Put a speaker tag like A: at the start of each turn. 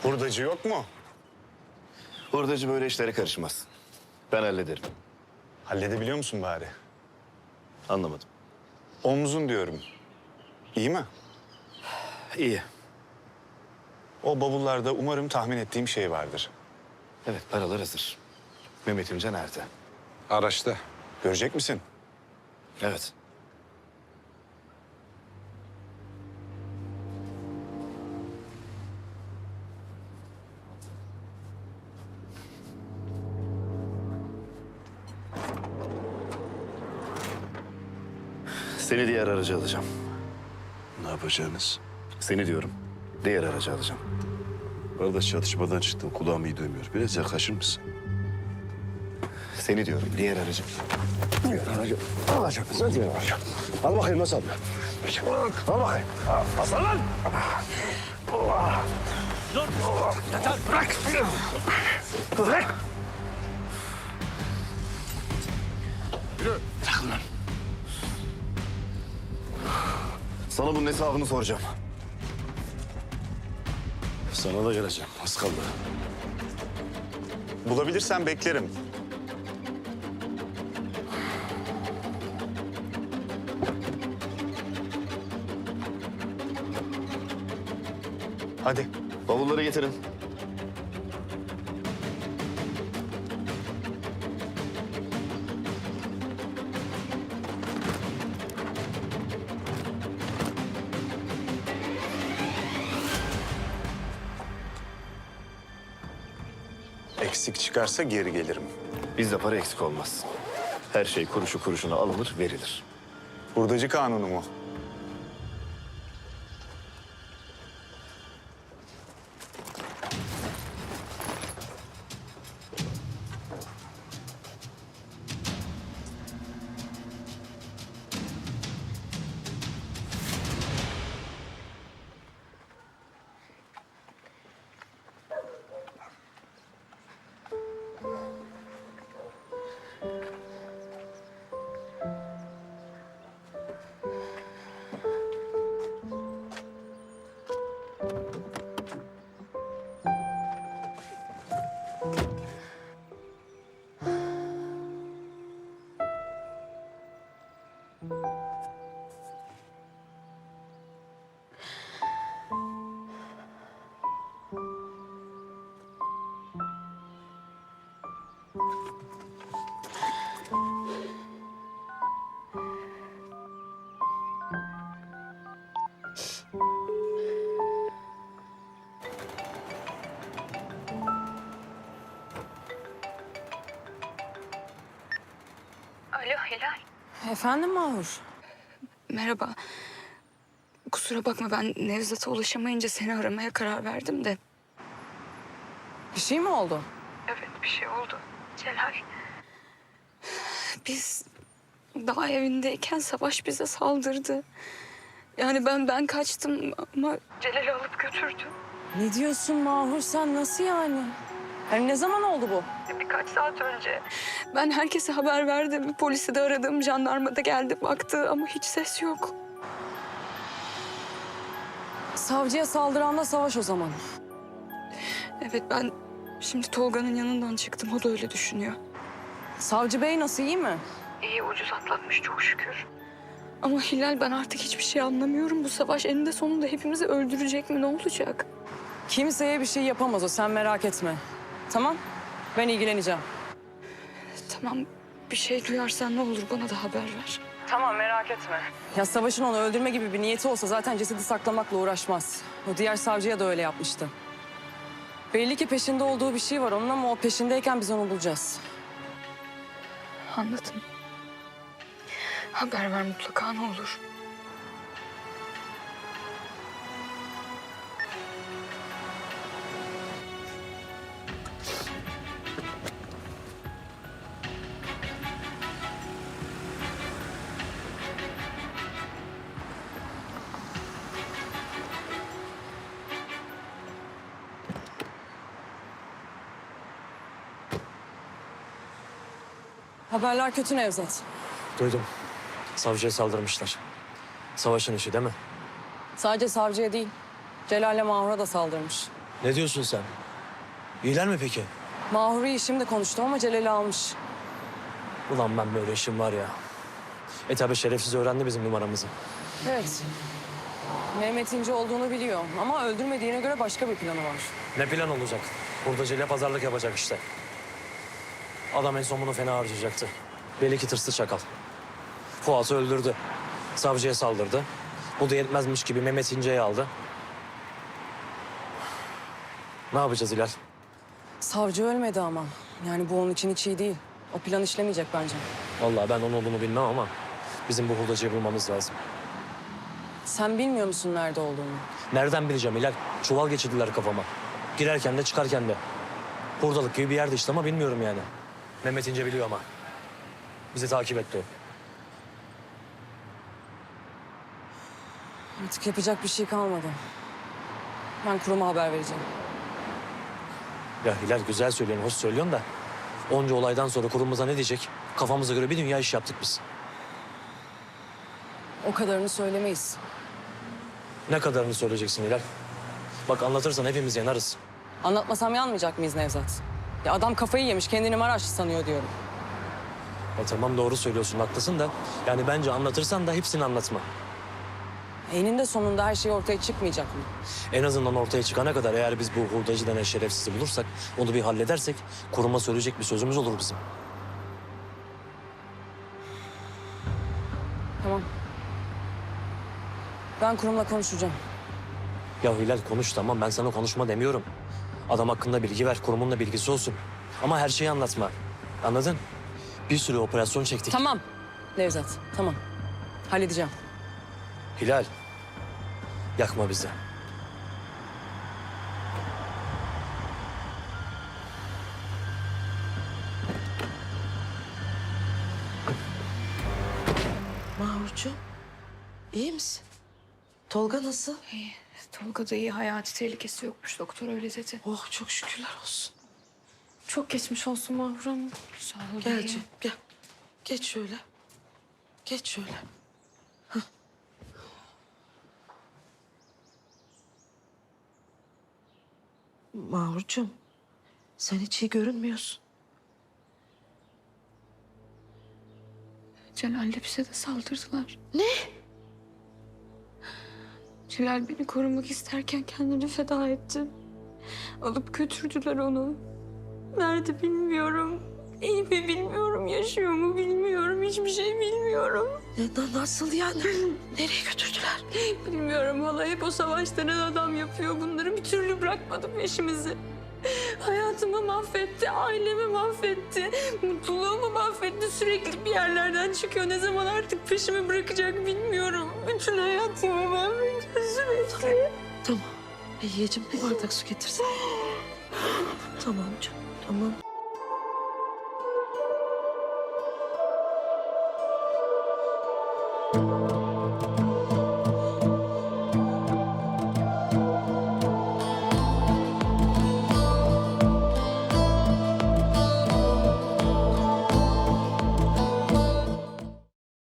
A: Hurdacı yok mu?
B: Hurdacı böyle işlere karışmaz. Ben hallederim.
A: Halledebiliyor musun bari?
B: Anlamadım.
A: Omzun diyorum. İyi mi?
B: İyi.
A: O bavullarda umarım tahmin ettiğim şey vardır.
B: Evet, paralar hazır. Mehmet İmce nerede?
A: Araçta. Görecek misin?
B: Evet. Seni diğer aracı alacağım.
C: Ne yapacağınız?
B: Seni diyorum. Diğer aracı alacağım.
C: Arada çatışmadan çıktım. Kulağım iyi duymuyor. Biraz yaklaşır mısın?
B: Seni diyorum. Diğer aracı.
C: Diğer aracı alacak mısın? Diğer aracı. Al bakayım nasıl al? Al bakayım. Aslan lan!
D: Dur! Yeter! Bırak!
C: Bırak!
B: Bırakın lan. Sana bunun hesabını soracağım.
C: Sana da geleceğim. Az kaldı.
A: Bulabilirsen beklerim. Hadi.
B: Bavulları getirin.
A: Eksik çıkarsa geri gelirim.
B: Bizde para eksik olmaz. Her şey kuruşu kuruşuna alınır, verilir.
A: Hurdacı kanunu mu?
E: Alo Hilal.
F: Efendim Mahur?
E: Merhaba. Kusura bakma ben Nevzat'a ulaşamayınca seni aramaya karar verdim de.
F: Bir şey mi oldu?
E: Evet bir şey oldu. Celal. Biz daha evindeyken Savaş bize saldırdı. Yani ben kaçtım ama Celal'i alıp götürdü.
F: Ne diyorsun Mahur sen nasıl yani? Yani ne zaman oldu bu?
E: Birkaç saat önce. Ben herkese haber verdim. Polisi de aradım. Jandarma da geldi baktı ama hiç ses yok.
F: Savcıya saldıran da Savaş o zaman.
E: Evet ben şimdi Tolga'nın yanından çıktım. O da öyle düşünüyor.
F: Savcı bey nasıl iyi mi?
E: İyi ucuz atlatmış çok şükür. Ama Hilal ben artık hiçbir şey anlamıyorum. Bu savaş eninde sonunda hepimizi öldürecek mi? Ne olacak?
F: Kimseye bir şey yapamaz o sen merak etme. Tamam ben ilgileneceğim.
E: Tamam bir şey duyarsan ne olur bana da haber ver.
F: Tamam merak etme. Ya Savaş'ın onu öldürme gibi bir niyeti olsa zaten cesedi saklamakla uğraşmaz. O diğer savcıya da öyle yapmıştı. Belli ki peşinde olduğu bir şey var onun ama o peşindeyken biz onu bulacağız.
E: Anladım. Haber ver mutlaka ne olur.
F: Haberler kötü Nevzat.
D: Duydum. Savcıya saldırmışlar. Savaşın işi değil mi?
F: Sadece savcıya değil, Celal'le Mahur'a da saldırmış.
D: Ne diyorsun sen? İyiler mi peki?
F: Mahur'u şimdi konuştum ama Celal'i almış.
D: Ulan ben böyle işim var ya. Tabi şerefsiz öğrendi bizim numaramızı.
F: Evet. Mehmet İnce olduğunu biliyor ama öldürmediğine göre başka bir planı var.
D: Ne plan olacak? Hurdacıyla pazarlık yapacak işte. Adam en son bunu fena harcayacaktı. Belli ki tırslı çakal. Fuat'ı öldürdü. Savcıya saldırdı. Bu da yetmezmiş gibi Mehmet İnce'yi aldı. Ne yapacağız Hilal?
F: Savcı ölmedi ama. Yani bu onun için hiç iyi değil. O plan işlemeyecek bence.
D: Vallahi ben onun olduğunu bilmem ama bizim bu hurdacıyı bulmamız lazım.
F: Sen bilmiyor musun nerede olduğunu?
D: Nereden bileceğim Hilal? Çuval geçirdiler kafama. Girerken de çıkarken de. Hurdalık gibi bir yerde işte ama bilmiyorum yani. Mehmet İnce biliyor ama. Bizi takip etti o.
F: Artık yapacak bir şey kalmadı. Ben kuruma haber vereceğim.
D: Ya Hilal güzel söylüyorsun, hoş söylüyorsun da... ...onca olaydan sonra kurumumuza ne diyecek? Kafamıza göre bir dünya iş yaptık biz.
F: O kadarını söylemeyiz.
D: Ne kadarını söyleyeceksin Hilal? Bak anlatırsan hepimiz yanarız.
F: Anlatmasam yanmayacak mıyız Nevzat? Ya adam kafayı yemiş, kendini Maraşlı sanıyor diyorum.
D: Ya tamam doğru söylüyorsun, haklısın da... ...yani bence anlatırsan da hepsini anlatma.
F: Eninde sonunda her şey ortaya çıkmayacak mı?
D: En azından ortaya çıkana kadar eğer biz bu hurdacı denen şerefsizi bulursak... ...onu bir halledersek kuruma söyleyecek bir sözümüz olur bizim.
F: Tamam. Ben kurumla konuşacağım.
D: Ya Hilal konuş tamam, ben sana konuşma demiyorum. Adam hakkında bilgi ver, kurumun da bilgisi olsun. Ama her şeyi anlatma. Anladın? Bir sürü operasyon çektik.
F: Tamam Nevzat, tamam. Halledeceğim.
D: Hilal, yakma bizi.
G: Mahurcuğum, iyi misin? Tolga nasıl?
E: Tolga da iyi, hayati tehlikesi yokmuş. Doktor öyle dedi.
G: Oh çok şükürler olsun.
E: Çok geçmiş olsun Mahur Hanım. Sağ ol.
G: Gel canım, gel. Geç şöyle. Geç şöyle. Hah. Mahurcuğum, sen hiç iyi görünmüyorsun.
E: Celal'le bize de saldırdılar. Ne? Celal beni korumak isterken kendini feda etti. Alıp götürdüler onu. Nerede bilmiyorum. İyi mi bilmiyorum, yaşıyor mu bilmiyorum, hiçbir şey bilmiyorum.
G: Nasıl yani? Nereye götürdüler?
E: Bilmiyorum hala, hep o savaşların adam yapıyor bunları. Bir türlü bırakmadı peşimizi. Hayatımı mahvetti, ailemi mahvetti, mutluluğumu mahvetti. Sürekli bir yerlerden çıkıyor. Ne zaman artık peşimi bırakacak bilmiyorum. Bütün hayatımı mahvetti sürekli.
G: Tamam. Yiyeceğim bir bardak su getirsin. Tamam canım, tamam.